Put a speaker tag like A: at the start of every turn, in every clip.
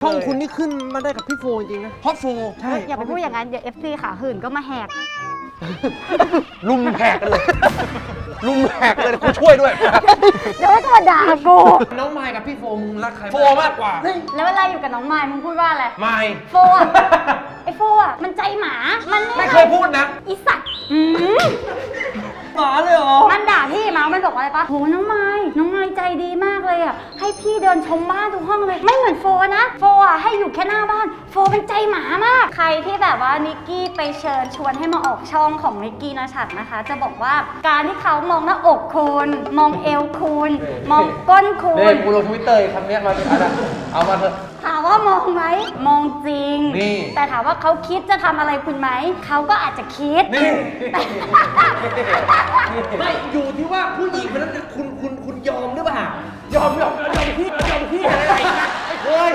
A: องคุณนี่ขึ้นมาได้กับพี่โฟจริงๆนะ
B: ฮอตโฟ
A: ใช่
C: อย่าไปพูดอย่างนั้นเดี๋ยว FC ขาหื่นก็มาแหก
B: ลุมแหกกันเลยลุมแหกเลยกูช่วยด้วย
C: เดี๋ยวก็มาด่ากู
B: น้องไมค์กับพี่โฟมึงรักใครโฟมากกว่า
C: แล้วเวลาอยู่กับน้องไมค์มึงพูดว่าอะไร
B: ไมค์
C: โฟอะไอโฟอะมันใจหมามัน
B: ไม่เคยพูดนะ
C: อีสัตว์
A: หมาเลยเหรอ
C: มันด่าพี่มามันบอกว่าอะไรปะโหน้องไม้ใจดีมากเลยอ่ะให้พี่เดินชมบ้านทุกห้องเลยไม่เหมือนโฟนะโฟอ่ะให้อยู่แค่หน้าบ้านโฟเป็นใจหมามากใครที่แบบว่านิกกี้ไปเชิญชวนให้มาออกช่องของนิกกี้นะฉัดนะคะจะบอกว่าการที่เขามองหน้าอกคุณมองเอวคุณมองก้นคุ
B: เด็
C: ณ
B: กกูลงทวิตเตอร์คำนี้มาเป็นอะไรเอามาเถอะ
C: ถามว่ามองไหมมองจริง
B: นี่
C: แต่ถามว่าเขาคิดจะทำอะไรคุณไหมเขาก็อาจจะคิด
B: นี่ไม่อยู่ที่ว่าผู้หญิงคนนั้นคุณยอมหรือเปล่ายอมพี่อะไรไม่เคย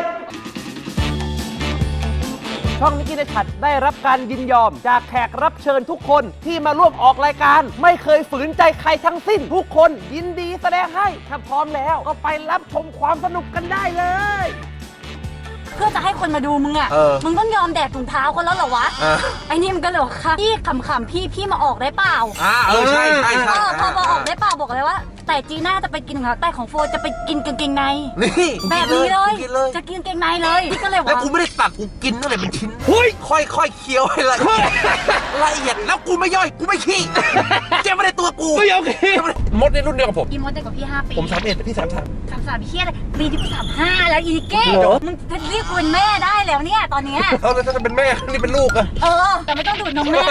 A: ช่องนิกกี้ในฉัดได้รับการยินยอมจากแขกรับเชิญทุกคนที่มาร่วมออกรายการไม่เคยฝืนใจใครทั้งสิ้นทุกคนยินดีแสดงให้ถ้าพร้อมแล้วก็ไปรับชมความสนุกกันได้เลย
C: เพื่อจะให้คนมาดูมึงอ่ะ มึงต้องยอมแดกถุงเท้าคนแล้วเหรอวะ ไอ้นี่มันก็เลยค่ะพี่ขำๆพี่มาออกได้เปล่า
B: ใช่
C: พอออกได้เปล่าบอกเลยว่า แต่จีน่าจะไปกินของเขาแต่ของโฟจะไปกินกางเกงใน
B: นี่
C: แบบนี้เลยจะกินกางเกงในเลยพี่ก็เลยว่า
D: แล้วกูไม่ได้ตัดกูกินนั่นแหละเป็นชิ้นค่อยๆเคี้ยวให้ละเอียดละเอียดแล้วกูไม่ย่อยกูไม่ขี้เจ๊ไม่ได้ตัวกู
B: ไม่โอเคมดในรุ่นเดียวกับผม
C: อีมดเด็กกว่าพี่5 ปี
B: ผม31พี่33
C: 33พี่อะไรปีที่35แล้วอีเก้มึงจะเรียกคุณแม่ได้แล้วเนี่ยตอนเนี้ย
B: เขาเลยถ้าจะเป็นแม่นี่เป็นลูกอะ
C: แต่ไม่ต้องดูดนมแม่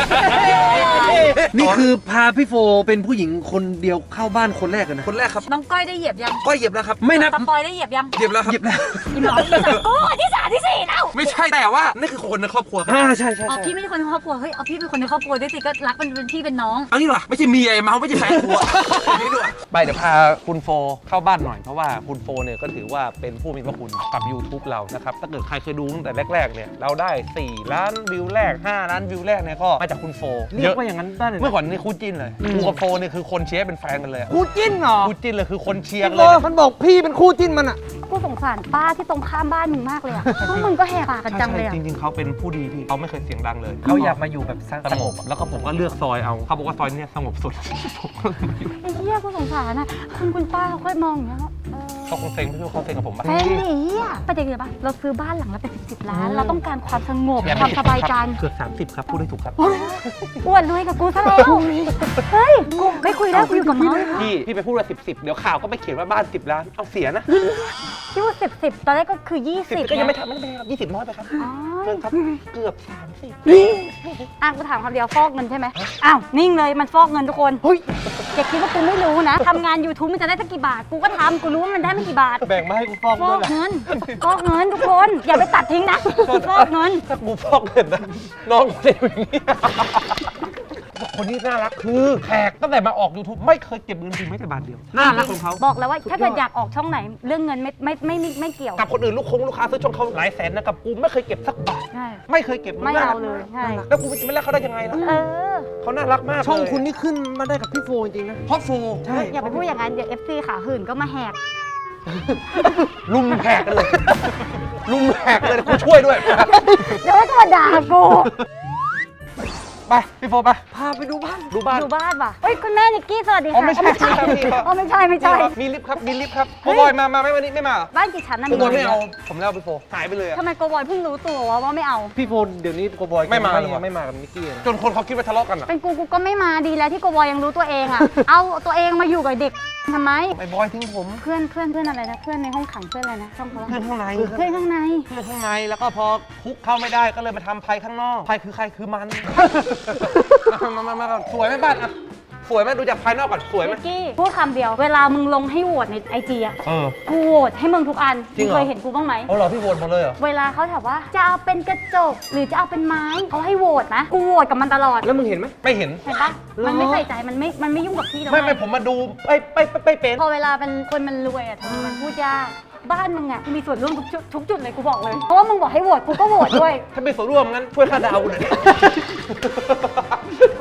A: นี่คือพาพี่โฟเป็นผู้หญิงคนเดียวเข้าบ้านคนแรกเลยนะ
B: คนแรกครับ
C: น้องก้อยได้เหยียบยัง
B: ก็เหยียบแล้วครับ
A: ไม่นับ
C: สปอยได้เหยียบยัง
B: เหยียบแล้วครับ
C: อีหมอที่3กูที่3ที่4แล้ว
B: ไม่ใช่แต่ว่านี่คือคนในครอบครัว
A: ใช่
C: พี่ไม่ใช่คนในครอบครัวเฮ้ยเอาพี่เป็นคนในครอบครัวด้วยสิก็รักมันเป็นพี่เป็นน้อง
B: เอางี้หรอไม่ใช่เมียไอ้เมาไม่ใช่แฟนกูนี่ด้วยไปเดี๋ยวพาคุณโฟเข้าบ้านหน่อยเพราะว่าคุณโฟเนี่ยก็ถือว่าเป็นผู้มีพระคุณกับ YouTube เรานะครับถ้าเกิดใครเคยดูตั้งแต่แรกๆเนี่ยเราได้4 ล้านวิวแรก5 ล้านวิวแรกเนี่ยก็มาจากคุณโฟ
A: เรียกว่าอย่างนั้นได้เลย
B: เมื่อก่อนนี่คู่จิ้นเลยกูกับโฟเนี่ยคือคนเชียร์เป็นแฟนกันเลย
A: คู่จิ้นเหรอ
B: คู่จิ้นเลยคือคนเชียร์
A: เล
B: เลย
A: มันบอกพี่เป็นคู่จิ้นมันอ่ะ
C: กูสงสารป้าที่ตรงข้ามบ้านมึงมากเลยอะพวกมึงก็แหกปากกันจังเลยอะ
B: จริงๆเขาเป็นผู้ดีพี่เขาไม่เคยเสียงดังเลย
A: เขาอยากมาอยู่แบบ
B: สงบแล้วก็ผมก็เลือกซอยเอาเขาบอกว่าซอยเนี่ยสงบสุดผมก็เลยมาอยู่
C: ไอ้เหี้ยกูสงสารอะคุณป้าเขาค่อยมองอย่างเงี้ย
B: เขาคงเซ็งพี่เขาเซ็งกับผมปะ
C: เซ็งดิอะประเด็นคือปะเราซื้อบ้านหลังละเป็น10 ล้านเราต้องการความสงบความสบายใจ
B: เกือบ30ครับพูดได้ถูกครับ
C: อ้วนรวยกับกูซะแล้วเฮ้ยกูไม่คุยแล้วกูอยู่กับเมาส์
B: พี่ไปพูดว่า10เดี๋ยวข่าวก็ไปเขียนว่าบ้าน10 ล้านเอาเสียนะ
C: คิดว่า10ตอนแรกก็คือ20
B: ก็ยังไม่ทำไม่เป็นไรครับ20น้อยไปครับเพิ่มครับเกือบ30
C: กูถามคำเดียวฟอกเงินใช่ไหมอ้าวนิ่งเลยมันฟอกเงินทุกคนอย่าคิดว่ากูไม่รู้นะทำงาน YouTube มันจะได้สักกี่บาทกูก็ทำกูรู้ว่ามันได้ไม่กี่บาท
B: แบ่งมาให้กูฟอก
C: ฟ
B: ด้
C: อ
B: วย
C: กเงินทุกคนอย่าไปตัดทิ้งนะฟอกเงิน
B: ถ้ากูฟอกเงินนะน้องคนนี้อย่างนี้คนนี้น่ารักคือแขกตั้งแต่มาออก YouTube ไม่เคยเก็บเงินจริงไม่แต่บาทเดียวน่ารักของเขา
C: บอกแล้วว่าถ้าเกิดอยากออกช่องไหนเรื่องเงินไม่เกี่ยว
B: กับคนอื่นลูกค้าซื้อช่องเขาหลายแสนนะกับกูไม่เคยเก็บสักบาท
C: ใช่
B: ไม่เคยเก็บ
C: ไม่เอาเลยใช่
B: แล้วกูจะไม่รักเขาได้ยังไงล่ะเขาน่ารักมาก
A: ช่องคุณนี่ขึ้นมาได้กับพี่โฟจริงๆนะ
B: ฮอตโฟ
A: ใช่
C: อย่าไปพูดอย่างนั้นเดี๋ยว FC ขาหื่นก็มาแหก
B: ลุมแหกกันเลยลุมแหกเลยกูช่วยด้วย
C: เดี๋ยวก็มาด่ากู
B: ไปพี่โฟไป
A: พาไปดูบ้าน
B: ดูบ้าน
C: ดูบ้านว่ะเฮ้ยคุณแม่นิกกี้สวัสดีค่ะ
B: อ๋อไม่ใช่
C: ไม่ใช่
B: มีลิฟต์ครับโกบอยมาไหมวันนี้ไม่มา
C: บ้านกี่ชั้นนะ
B: โกบอยไม่เอาผมแล้วพี่โฟหายไปเลย
C: ทำไมโกบอยเพิ่งรู้ตัวว่าไม่เอา
A: พี่โฟเดี๋ยวนี้โกบอย
B: ไม่มาเลย
A: ไม่มากับนิกกี้นะ
B: จนคนเขาคิดว่าทะเลาะกันอ่ะ
C: เป็นกูก็ไม่มาดีแล้วที่โกบอยยังรู้ตัวเองอ่ะ เอาตัวเองมาอยู่กับเด็กทำไม
B: ไอ้บอยทิ้งผม
C: เพื่อนอะไรนะเพื่อนในห้องขังเพื่อนอะไรนะช่องเขา
B: เพื่อนข้างใน
C: เพื่อนข้างใน
B: แล้วก็พอคุกเข้าไม่ได้ก็เลยมาทำภัยข้างนอกภัยคือใครคือมันมาสวยไหมบ้านอ่ะสวยไหมดูจากภายนอกก่อนสวยไหม
C: นิกกี้พูดคำเดียวเวลามึงลงให้โหวตในIGอ่ะ กูโหวตให้มึงทุกอัน
B: จริงเหรอ
C: เคยเห็นกูบ้างไหม
B: เอาเหรอพี่โหวตหมดเลยเหรอ
C: เวลาเขาถามว่าจะเอาเป็นกระจกหรือจะเอาเป็นไม้เขาให้โหวตนะกูโหวตกับมันตลอด
A: แล้วมึงเห็นไหม
B: ไม่เห็น
C: เห็นปะมันไม่ใส่ใจมันไม่ยุ่งกับพี่แล้ว
B: ไม่ผมมาดูไปเป็น
C: พอเวลาเป็นคนมันรวยอ่ะทำไมมันพูดยากบ้านมึงอ่ะมีส่วนร่วมทุกจุดเลยกูบอกเลยเพราะว่ามึงบอกให้โหวตกูก็โหวตด้วย
B: ถ้าเป็นส่วนร่วมงั้นช่วยค่าดาวกูหน่อย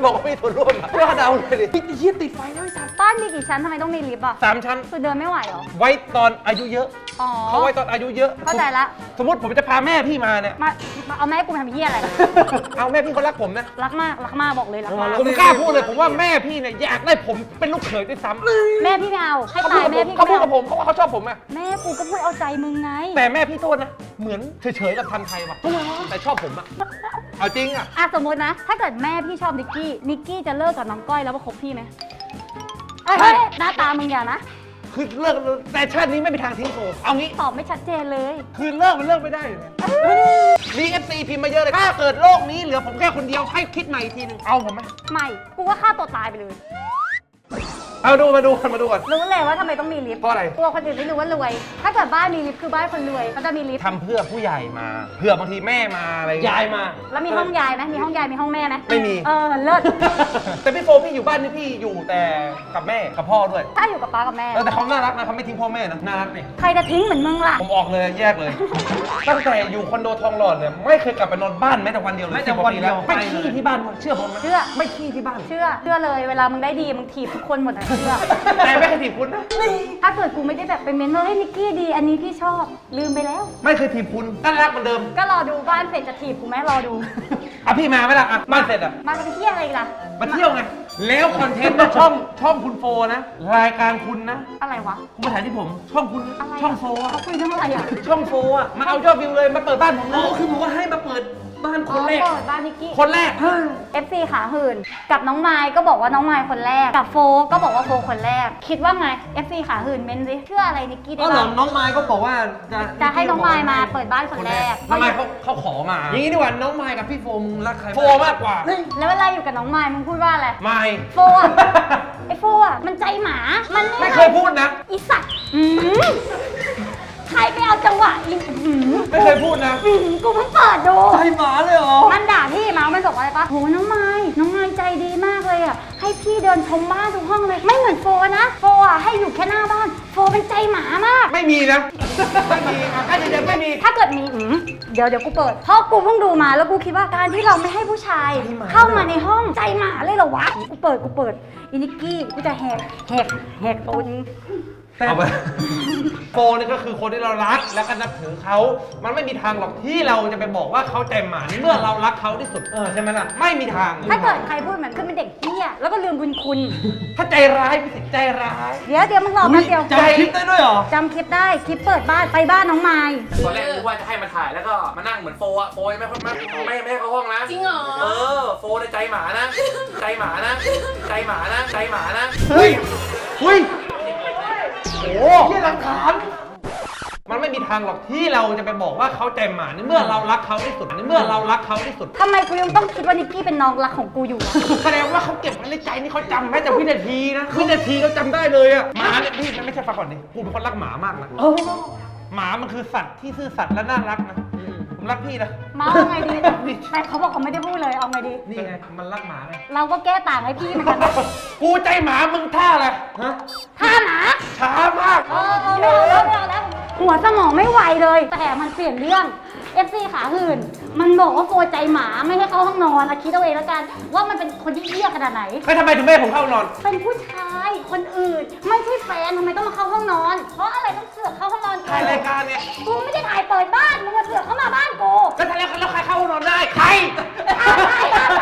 B: บอกว่ามีส่วนร่วมอะว่าเดาเลยดิพี่เหี้ยติดไฟแล้วไอ้สัตว์
C: บ้านมีกี่ชั้นทำไมต้องมีลิฟต์อ่ะ
B: 3 ชั้น
C: คือเดินไม่ไหวเหรอ
B: ไว้ตอนอายุเยอะ
C: อ๋อ
B: เขาไว้ตอนอายุเยอะ
C: เข้าใจละ
B: สมมติผมจะพาแม่พี่มาเนี่ย
C: มาเอาแม่กูมาทำเหี้ยอะไร
B: เอาแม่พี่เขารักผมนะ
C: รักมากบอกเลยรักมาก
B: ผมกล้าพูดเลยผมว่าแม่พี่เนี่ยอยากได้ผมเป็นลูกเขยด้วยซ้ำ
C: แม่พี่ไม่เอาให้
B: เขา
C: ตายแม่พี่
B: เขาพูด
C: ไม่
B: กับ
C: เอา
B: ผมเขาว่าเขาชอบผมอะ
C: แม่กูก็พูดเอาใจมึงไง
B: แต่แม่พี่โทษนะเหมือนเฉยๆกับทันไทยว่ะแต่ชอบผมอะเอาจริงอะ
C: อ่ะสมมตินะ ถ้าเกิดแม่พี่ชอบนิกกี้จะเลิกกับน้องก้อยแล้วมาคบพี่ไหมเอ้ยหน้าตามึงอย่านะ
B: คือเลิกแต่ชาตินี้ไม่มีทางทิ้งโฟเอางี้
C: ตอบไม่ชัดเจนเลย
B: คือเลิกมันเลิกไม่ได้อยู่แล้วมีเอฟซีพิมพ์มาเยอะเลย ถ้าเกิดโลกนี้เหลือผมแค่คนเดียวให้คิดใหม่อีกทีหนึง เอาผมไหม
C: ไม่ กูว่าฆ่าตัวตายไปเลย
B: เอามาดูก่อน
C: รู้เลยว่าทำไมต้องมีลิฟต์
B: เพราะอะไร
C: กลัวคนอื่นไม่รู้ว่ารวย ถ้าเกิดบ้านมีลิฟต์คือบ้านคนรวยเขาจะมีลิฟต์
B: ทำเพื่อผู้ใหญ่มา เพื่อบางทีแม่มาอะไร
A: ยายมา
C: แล้วมีห้องยายไหมมีห้องยายมีห้องแม่ไหม
B: ไม่มี
C: เลิศ
B: แต่พี่โฟพี่อยู่บ้านนี่พี่อยู่แต่กับแม่กับพ่อด้วย
C: ถ้าอยู่กับป้ากับแม่
B: แต่เขาน่ารักนะเขาไม่ทิ้งพ่อแม่นะน่ารักนี่
C: ใครจะทิ้งเหมือนมึงล่ะ
B: ผมออกเลยแยกเลย ตั้งแต่อยู่คอนโดทองหล่อเนี่ยไม่เคยกลับไปนอนบ้านแม้แต่วันเดียวเลย
A: แม้แต่วันเดียว
B: 10 กาปีแล้วไม่ขี้ที่บ้านเชื่อผมไหม
C: เชื่อ
B: ไม่ขี้ที่บ้าน
C: เชื่อเลยเวลามึงได้ดีมึงถีบทุกคนหมดนะเชื่อ
B: แต่ไม่เคยถีบคุณนะ
C: ถ้าเกิดกูไม่ได้แบบไปเมนว่าเฮ้ยนิกกี้ดี อันนี้พี่ชอบ ลืมไปแล้ว
B: ไม่เคยถีบคุณน่ารักเหมือนเดิม
C: ก็รอดูบ้านเสร็จจะถีบกูไหมรอดู
B: อ่ะพี่มาไหมล่ะอ่ะบ้านเสร็จอ่ะ
C: มาเป็นเที่ยอะไรอีกล่ะ
B: มาเที่ยวไง แล้วคอนเทนต์นะช่องคุณโฟนะ รายการคุณนะ
C: อะไรวะ
B: คุณมาถ่ายที่ผม ช่องคุณนะ
C: อะไระ
B: ช่องโฟอะ
C: เขาคุยเรื่องอะไรอ่ะ
B: ช่องโฟอะมาเอายอดวิวเลยมาเปิดบ้านผมเลยคือผมว่าให้มาเปิดบ้านคนแรก
C: เปิดบ้านนิกกี้
B: คนแรก
C: FC ขาหื่น กับน้องไมค์ก็บอกว่าน้องไมค์คนแรก กับโฟก็บอกว่าโฟคนแรก คิดว่าไง FC ขาหื่นเม้นสิเชื่ออะไรนิกกี้ได้
A: ก็เหรอ
C: บ้าง
A: น้องไม้ก็บอกว่า
C: จะให้น้องไมค์มาเปิดบ้านคนแรก
B: ทำไมเขาขอมา
A: อย่างนี้ดีกว่าน้องไม้กับพี่โฟมึงรักใคร
B: โฟมากกว่า
C: แล้วเวลาอยู่กับน้องไมค์มึงพูดว่าอะไร
B: ไม่
C: โฟอ่ะ ไอโฟอ่ะ มันใจหมา มัน
B: ไม่เคยพูดนะ
C: อีสัตว์ใครไปเอาจังหวะอี
B: ไม่เคยพูดนะ
C: กูเพิ่งเปิดดู
A: ใจหมาเลยเหรอ
C: มันด่าพี่เมาส์มันบอกว่าอะไรปะโหน้องไม้ใจดีมากเลยอ่ะ ให้พี่เดินชมบ้านทุกห้องเลย ไม่เหมือนโฟนะ โฟอ่ะให้อยู่แค่หน้าบ้าน โฟเป็นใจหมามาก
B: ไม่มีนะ ไม่มีใกล้จะไม่มี
C: ถ้าเกิดมีเดี๋ยวกูเปิด เพราะกูเพิ่งดูมาแล้วกูคิดว่าการที่เราไม่ให้ผู้ชาย เข้ามาในห้องใจหมาเลยเหรอวะ กูเปิดอินิกกี้กูจะแหกตูน
B: เอาไปโฟนี่ก็คือคนที่เรารักแล้วก็นับถือเขา มันไม่มีทางหรอกที่เราจะไปบอกว่าเขาใจหมาในเมื่อเรารักเขาที่สุดใช่ไหมล่ะ ไม่มีทาง
C: ถ้าเกิดใครพูดเหมือนคือเป็นเด็กเหี้ยแล้วก็ลืมบุญคุณ
B: ถ้าใจร้ายพี่สิใจร้าย
C: เดี๋ยวมึงรอแป๊บเดียว
A: จำคลิปได้ด้วยเหรอ
C: จำคลิปได้คลิปเปิดบ้านไปบ้านน้องไม้
D: ตอนแรกนึกว่าจะให้มาถ่ายแล้วก็มานั่งเหมือนโฟอะโฟไม่ให้เข้าห้องนะ
E: จริงเหรอ
D: โฟในใจหมานะ ใจหมานะ ใจหมานะ ใจหมานะ
B: เฮ้ยโอ้ที่หลักฐานมันไม่มีทางหรอกที่เราจะไปบอกว่าเขาใจหมาในเมื่อเรารักเขาที่สุดในเมื่อเรารักเขาที่สุด
C: ทำไมกูยังต้องคิดว่านิกกี้เป็นน้องรักของกูอยู่อะ
B: แสดงว่าเขาเก็บไว้ในใจนี่เขาจำแม้แต่วินาทีนะวินาทีเขาจำได้เลยอะหมาเนี่ยพี่มันไม่ใช่ฟังก่อนดิกูเป็นคนรักหมามากนะหมามันคือสัตว์ที่ซื่อสัตย์และน่ารักนะผมรักพี่นะ
C: เมาเอาไงดีแต่เขาบอกเขาไม่ได้พูดเลยเอาไงดี
B: นี่ไงมันรักหมาไง
C: เราก็แก้ต่างให้พี่เหมือนกันนะ
B: กูใจหมามึงท่าอะไรฮะ
C: ท่าหมา
B: ช้ามาก
C: ไม่เอาแล้วหัวสมองไม่ไหวเลย แต่มันเปลี่ยนเรื่อง FC ขาหื่น มันบอกว่าโฟใจหมาไม่ให้เข้าห้องนอนอะคิดเอาเองแล้วกัน ว่ามันเป็นคนที่เหี้ยขนาดไหน
B: ทำไมถึงไม่ให้ผมเข้านอน
C: เป็นผู้ชายคนอื่น ไม่ใช่แฟนทำไมต้องมาเข้าห้องนอน เพราะอะไรต้องเสือกเข้าห้องนอน
B: ถ่ายรายการเนี่ย
C: กูไม่ได้ถ่ายเปิดบ้านมึงมาเสือกเข้ามาบ้านกู
B: ก็ถ่ายแล้วใครเข้าห้องนอนได้ใคร
C: อะไรฮะ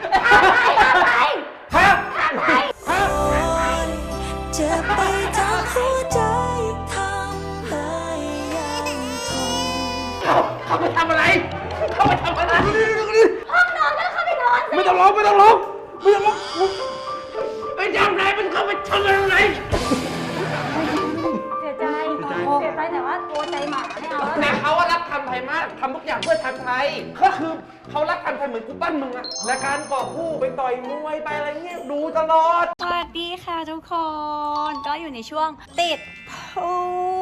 F: จะไปทำหัวใจทำให้ยังทน
B: เขาไปทำอะไรเขาไปทำอะไร
C: ห้องนอนก็เข้าไปนอนสิ
B: ไม่ต้องร้องไม่จำอะไรมันเข้าไปทำอะไร
C: เสียใจแต่ว่าโกใจหมาไม่เอาแล้ว
B: แต่
C: นะ
B: เขาว่ารักทำไทยมากทำทุกอย่างเพื่อทำไทยก็คือเขารักทำไทยเหมือนกูปั้นมึงอะรายการก่อคู่ไปต่อยมวยไปอะไรเงี้ยดูตลอด
F: สวัสดีค่ะทุกคน ก็อยู่ในช่วงติดพู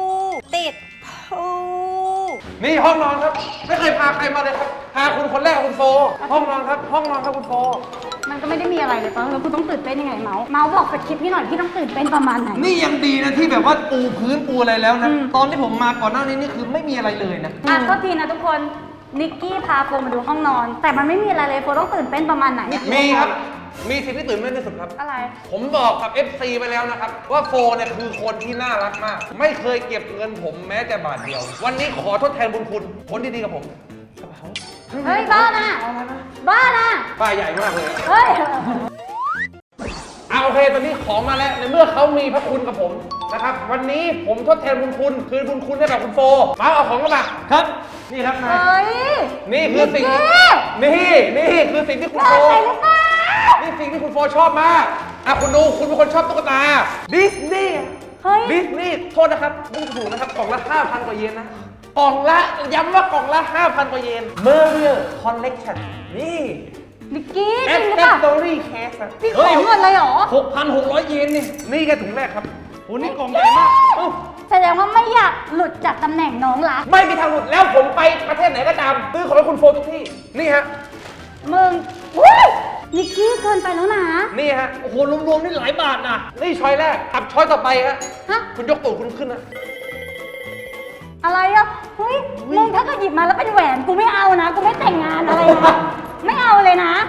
B: นี่ห้องนอนครับ ไม่เคยพาใครมาเลยครับพาคุณคนแรกคุณโฟห้องนอนครับคุณโฟ
C: มันก็ไม่ได้มีอะไรเลยปะแล้วกูต้องตื่นเต้นยังไงเมาส์บอกสคริปต์พี่หน่อยพี่ต้องตื่นเต้นประมาณไหน
A: นี่ยังดีนะที่แบบว่าปูพื้นปูอะไรแล้วนะ ตอนที่ผมมาก่อนหน้านี้นี่คือไม่มีอะไรเลยนะ
C: โทษทีนะทุกคนนิกกี้พาโฟมาดูห้องนอน แต่มันไม่มีอะไรเลยโฟต้องตื่นเต้นประมาณไหนอะ
B: มีครับ โฟมีสิ่งที่ตื่นเต้นที่สุดครับ
C: อะไร
B: ผมบอกกับ FC ไปแล้วนะครับ ว่าโฟเนี่ยคือคนที่น่ารักมาก ไม่เคยเก็บเงินผมแม้แต่บาทเดียว วันนี้ขอทดแทนบุญคุณคนที่ดีกับผมกระเป๋า
C: เฮ้ยบ้าน่ะบ้าน่ะ
B: ป้ายใหญ่มากเลย
C: เฮ้ย
B: เอาโอเคตอนนี้ของมาแล้วในเมื่อเขามีพระคุณกับผมนะครับ วันนี้ผมทดแทนบุญคุณคืนบุญคุณให้กับคุณโฟมาเอาของมาครับ นี่ครับนาย
C: เฮ้ย
B: นี่คือสิ่งที่นี่คือสิ่งที่คุณโฟ
C: อะไรหรือเปล่า
B: นี่สิ่งที่คุณโฟชอบมากอ่ะคุณดูคุณเป็นคนชอบตุ๊กตาดิสนีย์
C: เฮ้ย
B: ดิสนีย์โทษนะครับไม่ถูกนะครับกล่องละ 5,000 กว่าเยนนะกล่องละย้ำว่ากล่องละ 5,000 กว่าเยน Merrier Collection นี่
C: นิกกี้จ
B: แอ
C: ริ
B: ส
C: งหรือ
B: เซ
C: เปล่า
B: สซอรี่เคส
C: พี่ขอเงินเลยเหรอ
B: 6,600 เยนนี่นี่แค่ถุงแรกครับโอ้นี่กล่องใหญ่มากเอ้า
C: แสดงว่าไม่อยากหลุดจากตำแหน่งน้องรัก
B: ไม่มีทางหลุดแล้วผมไปประเทศไหนก็ตามซื้อของให้คุณโฟทุกที่นี่ฮะ
C: มึงอุ้ยนิกกี้เกินไปแล้วนะ
B: นี่ฮะโอ้โหรวมๆนี่หลายบาทนะนี่ช้อยแรกกับช้อยต่อไปฮะ
C: ฮะ
B: คุณยกตูดคุณขึ้นนะ
C: อะไรอ่ะเฮ้ยมึงถ้าเกิดหยิบมาแล้วเป็นแหวนกูไม่เอานะ กูไม่แต่งงานอะไรนะ ไม่เอาเลยนะ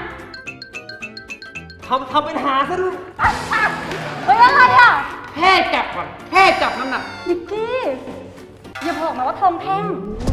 B: ทำเป็นหาซะด้วย
C: เฮ้ยอะไรอ่ะ
B: แค่จับก่อนแค่จับน้ำหนัก
C: นิกกี้อย่าบอกนะว่าทองแท่ง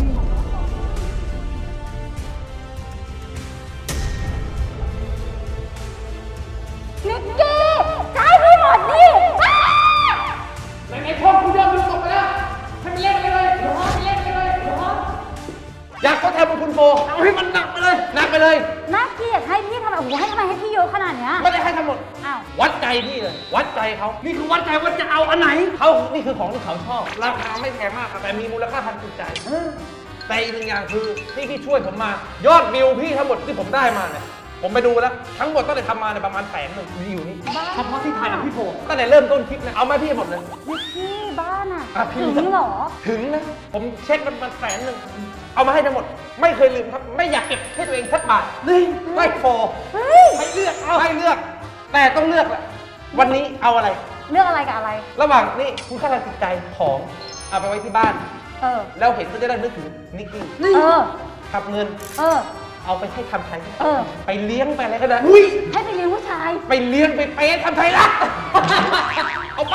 C: นิกกี้ใช้ให้หมดดิอ้า
B: ไหนๆพ่อคุณยอมดูตกไปแล้วให้มันเล่นไปเลยเดี๋ยวพ่อไปเล่นไปเลยเดี๋ยวพ่ออยากทดแทนบุญคุณโฟเอาให้มันหนักไปเลยหนักไปเลย
C: น่าเกลียดให้พี่ทำไมโอ้โหให้ทำไมให้พี่เยอะขนาดเนี้ย
B: ไม่ได้ให้ทั้งหมด
C: อ้าว
B: วัดใจพี่เลย วัดใจเขานี่คือวัดใจว่าจะเอาอันไหนเขานี่คือของที่เขาชอบราคาไม่แพงมากครับแต่มีมูลค่าทางจิตใจแต่อีกหนึ่งอย่างคือที่พี่ช่วยผมมา ยอดวิวพี่ทั้งหมดที่ผมได้มาเนี่ยผมไปดูแล้วทั้งหมดตั้งแต่ทำมาเนี่ยประมาณ100,000มีอยู่นี่เฉพาะที่ถ่ายกับพี่โฟตั้งแต่เริ่มต้นคลิปเนี่ยเอามาพี่หมดเลย
C: นิกกี้บ้านอ่ะ
B: อ่ะพี่
C: ถึงเหรอ
B: ถึงนะผมเช็คมัน100,000เอามาให้ทั้งหมด ไม่เคยลืมครับ ไม่อยากเก็บให้ตัวเองสักบาทนี่ไม่โฟ
C: เฮ้ย
B: ให้เลือกให้เลือก แต่ต้องเลือกแหละวันนี้เอาอะไร
C: เรื่องอะไรกับอะไร
B: ระหว่างนี่คุณค่าทางจิตใจของเอาไปไว้ที่บ้าน
C: เออ
B: แล้วเห็นก็จะได้นึกถึงนิกกี้
C: เออ
B: ทับเงิน
C: เออ
B: เอาไปให้ทำไทย
C: เออ
B: ไปเลี้ยงไปอะไรก็ได้
C: ให้ไปเลี้ยงผู้ชาย
B: ไปเลี้ยงไปเป๊ะทำไทยละเอาไป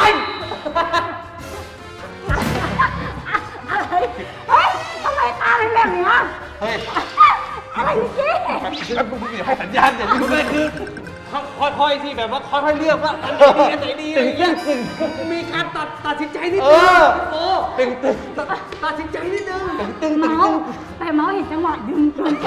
C: อะไร เฮ้ยทำไมตาเป็นแบบเนี้ย
B: เฮ้ย
C: อะไรนิกกี้
B: แล้วคุณอย่าให้สัญญาณอย่าลืมเลยคือค่อยๆที่แบบว่าค่อยๆเลือกว่าอันไหนดีอะไรเงี้ยมีการตัดสินใจนิดนึงโอ้ตึงตัดสินใจนิดนึงตึง
C: เมาส์แต่เมาส์เห็นจังหวะดึงเกินไป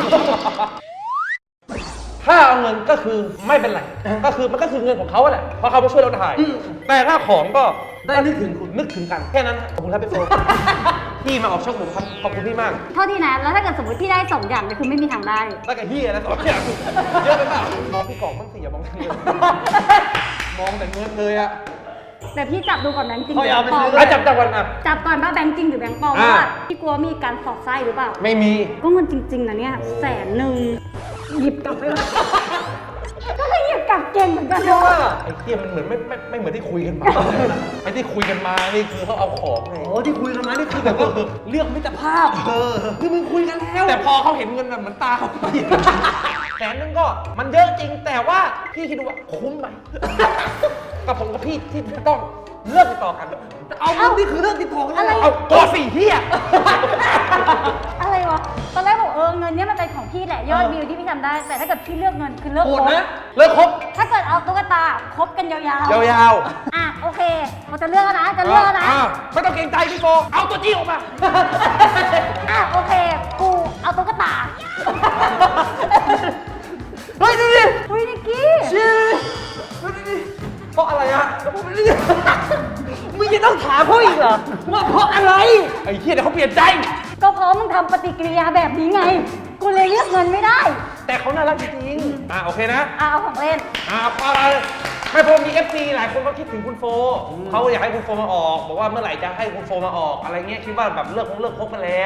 B: ถ้าเอาเงินก็คือไม่เป็นไรก็คือมันก็คือเงินของเขาแหละเพราะเขามาช่วยเราถ่ายแต่ถ้าของก็ได้นึกถึงคุณนึกถึงกันแค่นั้นขอบคุณครับพี่โฟพี่มาออกช่องผมครับขอบคุณพี่มาก
C: เท่าที่นะ แล้วถ้าเกิดสมมติพี่ได้สองอย่างเนี่ยคือไม่มีทางได้
B: ตั้งแต่เฮียแล้วสองอย่างเยอะไปเปล่ามองพี่กล่องบ้างสิอย่ามองแต่เงินมองแต่เงินเลยอะ
C: แต่พี่จับดูก่อนแบงค์จริงห
B: เขา
C: รือ
B: เอา
C: แบ
B: ไป
C: งค์ปลอ
B: ซื้
C: ม
B: อจับก่อนนะ
C: จับก่อนว่าแบงค์จริงหรือแบงค์ปลอม
B: อ่า
C: ว่าพี่กลัวมีการสอดไส้หรือเปล่า
B: ไม่มี
C: ก็เงินจริงๆนะเนี่ย100,000หยิบกลับไปเลยก็คือหยิบกลับเก่งเหมือนกันเนาะ
B: ไอ้เฮียมันเหมือนไม่เหมือนที่คุยกันมาไอ้ที่คุยกันมานี่คือเขาเอาของไง
A: โอ้ที่คุยกันมานี่คือแบบว่าเลือกมิตรภาพคือมึงคุยกันแล้ว
B: แต่พอเขาเห็นเงินแบบเหมือนตาเขาไป100,000ก็มันเยอะจริงแต่ว่าพี่คิดดูว่าคุ้มไหมกับผมกับพี่ที่จะต้องเลิกติดต่อกัน
A: เอาเงินนี่คือเรื่องติดต่อกัน
C: อะไร
A: เลยเหร
B: เอาตัวสี่เฮีย
C: อะไรวะ ตอนแรกบอกเงินเนี้ยมันเป็นของพี่แหละยอดวิวที่พี่ทำได้ แต่ถ้าเกิดพี่เลือกเงินคือเลือก
B: โห
C: ค
B: ด
C: รบ
B: นะเลิกครบ
C: ถ้าเกิดเอาตุ๊กตาคบกันยาว
B: ยาว
C: ๆ อ่ะโอเคเราจะเลือกแล้วนะ
B: ๆ
C: จะเลือกแล้วนะ
B: ไม่ต้องเกรงใจพี่โฟเอาตัวจี้ออกมา
C: อ่ะโอเค กูเอาตุ๊กตา
B: เฮ้ยดูดิ
C: อุ้ยนิกกี้
B: เพราะอะไรอะ
A: มึงยังต้องถามเขาอีกเหรอว่าเพราะอะไร
B: ไอ้เฮียเดี๋ยวเขาเปลี่ยนใจ
C: ก็เพราะมึงทำปฏิกิริยาแบบนี้ไง กูเลยเลือกเงินไม่ได้
B: แต่เขาน่ารักจริงๆโอเคนะ
C: อ่ะเอาของเล่น
B: อะไรไม่พอมี FC หลายคนก็คิดถึงคุณโฟเขาอยากให้คุณโฟมาออกบอกว่าเมื่อไหร่จะให้คุณโฟมาออกอะไรเงี้ยคิดว่าแบบเลิกคบกันแล้ว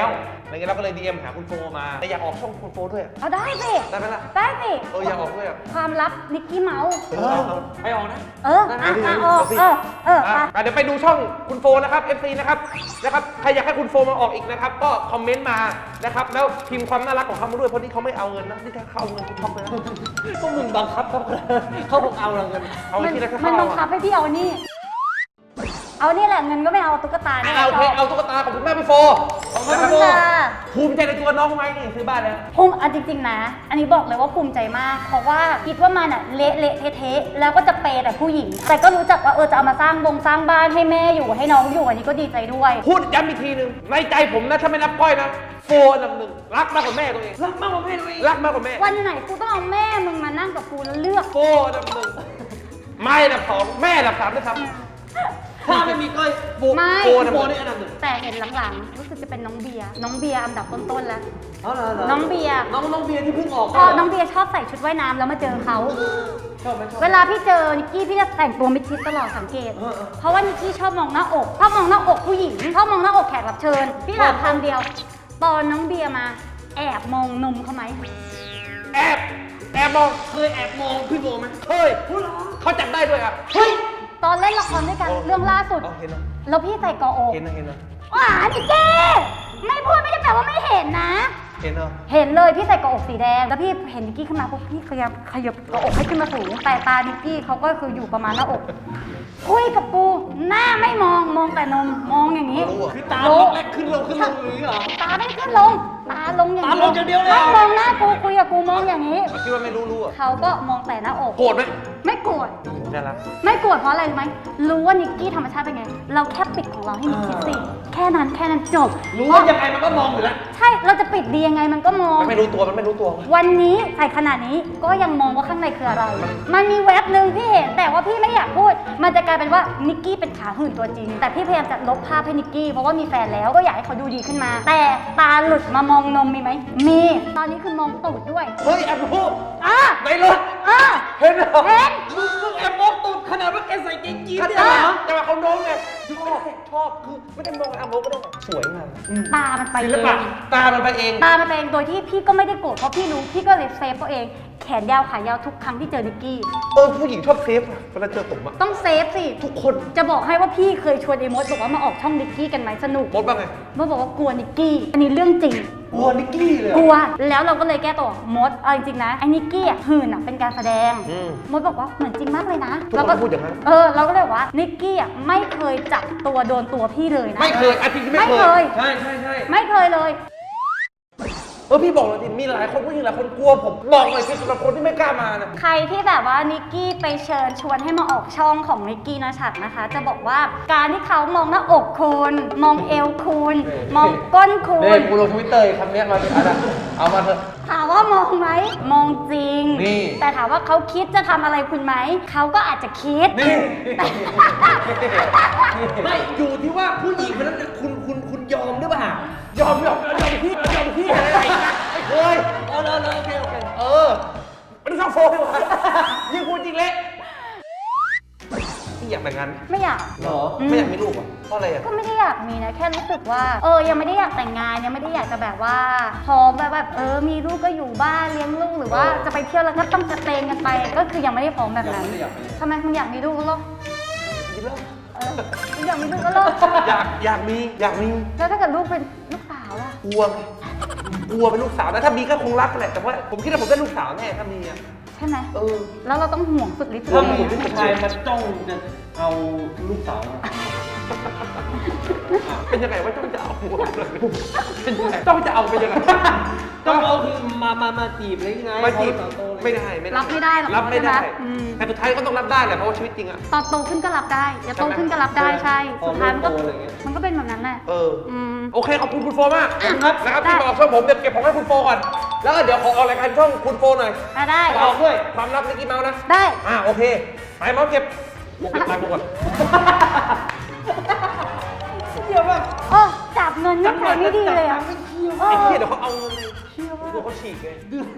B: อะไรเงี้ยเราก็เลย DM หาคุณโฟมาแต่อยากออกช่องคุณโฟด้วย
C: เอาได้สิ
B: ได้ไหมล่ะ
C: ได้สิ
B: อยากออกด้วยอ่ะ
C: ความลับนิกกี้เมาส์
B: ไปออกนะ
C: เออออกไป
B: เดี๋ยวไปดูช่องคุณโฟนะครับ FC นะครับใครอยากให้คุณโฟมาออกอีกนะครับก็คอมเมนต์มานะครับแล้วพิมพ์ความน่ารักของเขามาด้วยเพราะนี่เขาไม่เอาเงินนะนี่ถ้าเขาเอาเงินคุณช็อกเลยนะ
A: พวกมึงบังคับเขาบอกเอาเงิน
B: เอาที่ได้แค่
C: มัน
B: เขา
C: บังคับให้พี่เอานี่ เอานี่แหละเงินก็ไม่เอาตุ๊กตาเนี่ย
B: เอาโอเคเอาตุ๊กตาของคุณแม่พี่โฟ
C: ขอบคุณค่ะ
B: ภูมิใจในตัวน้องไหมนี่ซื้อบ้านแล้ว
C: ภูมิจริงๆนะ อันนี้บอกเลยว่าภูมิใจมาก เพราะว่าคิดว่ามันอะเละเทะๆแล้วก็จะเปย์แต่ผู้หญิง แต่ก็รู้จักว่าจะเอามาสร้างบ้านให้แม่อยู่ให้น้องอยู่อันนี้ก็ดีใจด้วย
B: พูดย้ำอีกทีหนึ่งในใจผมนะถ้าไม่นับก้อยนะโฟอันดับหนึ่งรักมากกว่าแม่ตัวเองรักมากกว่าแม่ตัวเองรักมากกว่าแม่
C: วันไหนกูต้องเอาแม่มึงมานั่งกับกูแล้วเลือก
B: โฟอันดับหนึ่งไม่อันดับสองแม่อันดับสามด้วยซ้ำ
A: ถ้าไม่มีก้อยโฟ
C: ไม่
A: โฟนี่อันดับหนึ่ง
C: แต่เห็นหลังๆรู้สึกจะเป็นน้องเบียร์อันดับต้นๆแล้ว
A: อ๋อเหรอ
C: น้องเบียร์
A: น้องเบียร์ที่เพิ่งออก
C: พอน้องเบียร์ชอบใส่ชุดว่ายน้ำแล้วมาเจอเขา
A: ชอบไหมชอบ
C: เวลาพี่เจอนิกกี้พี่จะแต่งตัวมิดชิดตลอดสังเกต เพราะว่านิกกี้ชอบมองหน้าอกชอบมองหน้าอกผู้หญิงชอบมองหน้าอกแขกรับเชิญ พี่ถามคำเดียว ตอนน้องเบียร์มาแอบมองนมเขาไหม
B: แอบมอง
A: เคยแอบมองพี่โฟไหม
B: เคยเขาจับได้ด้วยอ่ะ
C: เฮ้ย ตอนเล่นละครด้วยกันเรื่องล่าสุด
B: เห็นนะ
C: แล้วพี่ใส่กออก
B: เห็นนะ
C: ว้านิกกี้ไม่พูดไม่ได้แปลว่าไม่เห็นนะ
B: เห็นนะ
C: เห็นเลยพี่ใส่กระอกสีแดงแล้วพี่เห็นนิกกี้ขึ้นมาปุ๊บพี่ขยับกระอกให้ขึ้นมาสูงแต่ตานิกกี้เขาก็คืออยู่ประมาณหน้าอกคุยกับปูหน้าไม่มองแต่นมมองอย่างนี้
A: คือตาล็อกแรกขึ้นลงอย่างนี้เหรอ
C: ตาไม่ขึ้นลงตาลงอย่าง
A: ตาลงอย่างเดียวเลย
C: ถ้ามองหน้ากูคุยกับกูมองอย่างนี้
B: คิดว่าไม่รู้อ่ะ
C: เขาก็มองแต่หน้าอก
B: โกรธไหม
C: ไม่โกรธ
B: น่ารัก
C: ไม่โกรธเพราะอะไรรู้ไหมรู้ว่านิกกี้ธรรมชาติเป็นไง เราแค่ปิดของเราให้นิกกี้สิแค่นั้นจบ
A: รู้ว่ายังไงมันก็มองอยู่แล้ว
C: ใช่เราจะปิดดียังไงมันก็มอง
B: มันไม่รู้ตัว
C: วันนี้ใส่ขนาดนี้ก็ยังมองว่าข้างในคืออะไร มันมีแว็บหนึ่งพี่เห็นแต่ว่าพี่ไม่อยากพูด มันจะกลายเป็นว่านิกกี้เป็นขาหื่นตัวจริง แต่พี่พยายามจะลบภาพให้นิกกี้เพราะว่ามีแฟนแล้วก็อยากให้เขาดูดีขึ้นมา แต่ตาหลุดมามองนมมีไหมมี ตอนนี้คือมองตูดด้วย
B: เฮ้ยแอบพูด
C: อ่ะ
B: ในรถ
C: อ่ะ
B: เห็นเหรอ
C: เห็น
A: มึงแอบมองตูดขนาดว่าแกใส่เกงยีนส์เนี่ย
B: ใช่
A: เหรอ
B: แต่ว่าเขาโน้มไงชอบคือไม่ได้มองแอบมองก็ได้สวยงาม
C: ตามันไป
B: ศิ
C: เอ
B: ลปะ
C: ง
B: ตามันไปเอง
C: ตามันไปเองโดยที่พี่ก็ไม่ได้โกรธเพราะพี่รู้พี่ก็เลยเซฟตัวเองแขนยาวขายาวทุกครั้งที่เจอนิกกี้
B: ผู้หญิงชอบเซฟอะเวลาเจอผมอะ
C: ต้องเซฟสิ
B: ทุกคน
C: จะบอกให้ว่าพี่เคยชวนไอ้มดบอกว่ามาออกช่องนิกกี้กันไหมสนุก
B: มดบ้างไง
C: มดบอกว่ากลัวนิกกี้ อันนี้เรื่องจริง
A: กลัวนิกกี้เลย
C: กลัว แล้วเราก็เลยแก้ตัวมดเอาจริงๆนะไอ้นิกกี้อ่ะหื่นอ่ะเป็นการแสดง มดบอกว่าเหมือนจริงมากเลยนะ
B: ทุกคน
C: เราก็
B: พูดอย่างนั้น
C: เราก็เลยบอกว่านิกกี้อ่ะไม่เคยจับตัวโดนตัวพี่เลยนะ
B: ไม่เคยอาทิตย์ที่ไม่
C: ไม่
B: เค
C: เค
B: ย
C: ย
A: ใช่
C: ไม่เคยเลย
B: พี่บอกเลยทีมีหลายคนผู้หญิงหลายคนกลัวผมบอกหน่อยสิสำหรับคนที่ไม่กล้ามานะ
C: ใครที่แบบว่านิกกี้ไปเชิญชวนให้มาออกช่องของนิกกี้นะชัดนะคะ จะบอกว่าการที่เขามองหน้าอกคุณมองเอวคุณมองก้นคุ
B: นี่
C: ณ
B: กูลงทวิตเตอร์คำนี้มาดิอะไรเอามาเถอะ
C: ถามว่ามองไหมมองจริง
B: นี่
C: แต่ถามว่าเขาคิดจะทำอะไรคุณไหมเขาก็อาจจะคิด
B: นี่
A: ไม่อยู่ที่ว่าผู้หญิงคนนั้นน่ะคุณยอมหรือเปล่าย
B: อมพี่อะไรนะไม่เคย
A: โอเค
B: ไม่ได้ชอบโฟกัสยิ่งพูดจริงเละพี่อยากแต่งงานไหม
C: ไม่อยาก
A: เหรอ
B: ไม่อยากมีลูกอ่ะเพราะอะไรอ่ะ
C: ก็ไม่ได้อยากมีนะแค่รู้สึกว่ายังไม่ได้อยากแต่งงานยังไม่ได้อยากจะแบบว่าพร้อมแบบมีลูกก็อยู่บ้านเลี้ยงลูกหรือว่าจะไปเที่ยวแล้วก็ต้องจะเตงกันไปก็คือยังไม่ได้พร้อมแบบนั้นทำไมมึงอยากมีลูกแล้วเหรอ
B: มีแล้ว
C: มึงอยากมีลูกแล้วเหรอ
B: อยากมี
C: แล้วถ้าเกิดลูกเป็นลูกสาวล่ะ
B: กลัวเป็นลูกสาวนะถ้ามีก็คงรักแหละแต่ว่าผมคิดว่าผมได้ลูกสาวแน่ถ้ามีอ่ะ
C: ใช่ไหม
B: เ
C: แล้วเราต้องห่วงสุดฤทธิ์
A: ถ้า
C: เลย
A: ผู้
C: นะ
A: ชายมาจ้องจะเอาลูกสาวมา
B: เป็นยังไงว่าต้องจะเอาหัวเป็นยังไงต้องจะเอาเป็นยังไง
A: ต้องเอาคือมาจีบเลยไง
B: มาจีบ
A: พอโตเลย
B: ไม่ได้
C: รับไม่ได้หรอก
B: รับไม่ได้
C: ใช่ไหมอืม
B: แต่สุดท้ายก็ต้องรับได้แหละเพราะว่าชีวิตจริงอ่ะ
C: ตอนโตขึ้นก็รับได้อย่าโตขึ้นก็รับได้ใช่ สุดท้ายมันก็มันก็เป็นแบบนั้นแหละ ม
B: โอเคขอบคุณคุณโฟมากนะครับ
C: ได้
B: ที่มาออกช่องผมเดี๋ยวเก็บของให้คุณโฟก่อนแล้วก็เดี๋ยวขอออกรายการช่องคุณโฟหน่อย
C: ได้
B: ออกด้วยความลับนิกกี้เมาส์นะ
C: ได้
B: โอเคไปเมาส์เก็บตังค์กูก่อน
A: เดี๋ยวแบบ
C: จับเงินนิสัยไม่ดีเลยอ่ะ
B: ไอ้เหี้ยเดี๋ยวเขาเอาเงินเลยเดี๋ยวเขาฉีกไง